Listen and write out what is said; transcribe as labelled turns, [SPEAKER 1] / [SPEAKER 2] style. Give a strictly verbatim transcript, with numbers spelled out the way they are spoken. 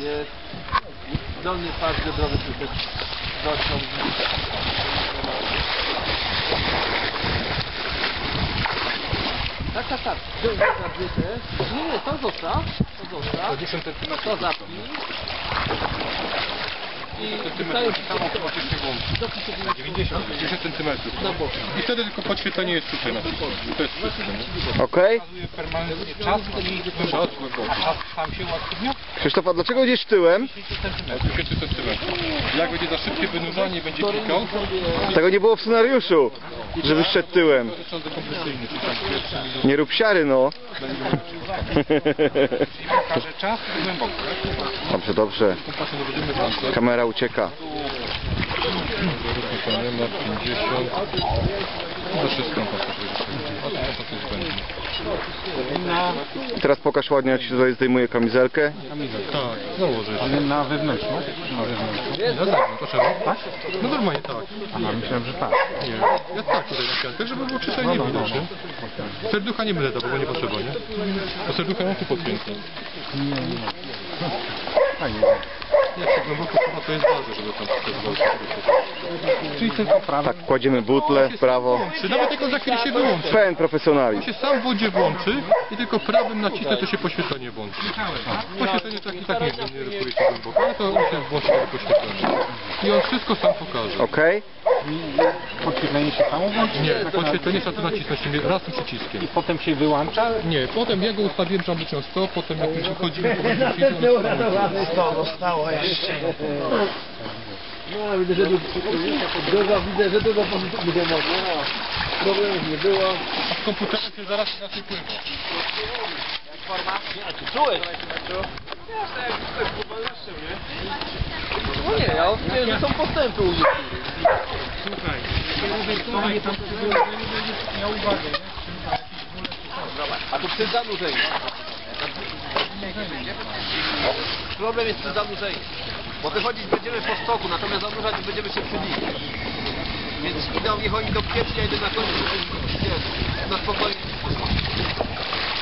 [SPEAKER 1] jest. Dolny pas biodrowy tylko dociąg. Tak, tak, tak. Dół zabity. Nie, nie, to zostaw. To zostaw.
[SPEAKER 2] dziesięć centymetrów.
[SPEAKER 1] To zapnij. I
[SPEAKER 2] centymetrów. Automatycznie włączy. dziewięćdziesiąt, dziesięć centymetrów.
[SPEAKER 1] Na boku.
[SPEAKER 2] I wtedy tylko podświetlenie jest tutaj na przykład. To jest wszystko.
[SPEAKER 3] Okej.
[SPEAKER 2] Pokazuje permanentnie czas i czas głęboki. A czas sam się uaktywnia?
[SPEAKER 3] Krzysztof, a dlaczego gdzieś tyłem?
[SPEAKER 2] dziesięć centymetrów. Jak będzie za szybkie wynurzanie, będzie klikał.
[SPEAKER 3] Tego nie było w scenariuszu, żeby szedł tyłem.
[SPEAKER 2] To jest sąd dekompresyjny, czyli tam pierwszy minut.
[SPEAKER 3] Nie rób siary, no.
[SPEAKER 2] Czyli pokaże czas i głęboko.
[SPEAKER 3] Dobrze, dobrze.
[SPEAKER 2] Kompasem nie będziemy włączać.
[SPEAKER 3] Kamera ucieka.
[SPEAKER 2] Nie ma pięćdziesiąt. To wszystko kompasem
[SPEAKER 3] Teraz pokaż ładnie, jak się tutaj zdejmuje kamizelkę.
[SPEAKER 2] Tak, założę.
[SPEAKER 4] Ale na wewnętrzną? Na wewnętrzną.
[SPEAKER 2] No tak, potrzeba. Tak? No normalnie tak.
[SPEAKER 4] Aha, myślałem, że tak.
[SPEAKER 2] Nie. Ja tak tutaj na piątek, żeby było czysto i nie widać, nie? Serducha nie będę dawał, bo nie potrzeba, nie? Bo serducha mam tu podpięte.
[SPEAKER 4] Nie, nie. Fajnie.
[SPEAKER 2] Jak się głęboko chyba to jest ważne, żeby tam wszystko zwolnić.
[SPEAKER 4] Czyli tylko prawo.
[SPEAKER 3] Tak, kładziemy butlę w prawo.
[SPEAKER 2] Czy nawet jak on za chwilę się wyłączy.
[SPEAKER 3] Pełen
[SPEAKER 2] On
[SPEAKER 3] profesjonalizm.
[SPEAKER 2] się sam w wodzie włączy i tylko prawym nacisnę, to się poświetlenie włączy. Poświetlenie tak i tak nie, nie rysuje się głęboko, ale to on się włączy tego poświetlenie. I on wszystko sam pokaże.
[SPEAKER 3] Okej?
[SPEAKER 4] Podświetlenie się samo włączy?
[SPEAKER 2] Nie, podświetlenie trzeba tu nacisnąć raz tym przyciskiem.
[SPEAKER 4] I potem się wyłącza?
[SPEAKER 2] Nie, potem ja go ustawiłem, że on wyciął sto, potem jak już wychodzimy, to będzie
[SPEAKER 5] sto zostało jeszcze.
[SPEAKER 1] No, widzę, że dużo, widzę, że dużo pozytywnych emocji. Problemów nie było.
[SPEAKER 2] A w komputerze się zaraz inaczej pływa.
[SPEAKER 1] Jak forma? A ty czułeś? No nie, ja wiem, że są postępy u nich.
[SPEAKER 4] Słuchaj, słuchaj, tam miał uwagę,
[SPEAKER 1] A to przy zanurzeniu. Problem jest przy zanurzeniu. Bo wychodzić będziemy po stoku, natomiast zanurzać będziemy się przy nim. Więc idą, niech oni do pieprz, ja idę na końcu, na spokojnie.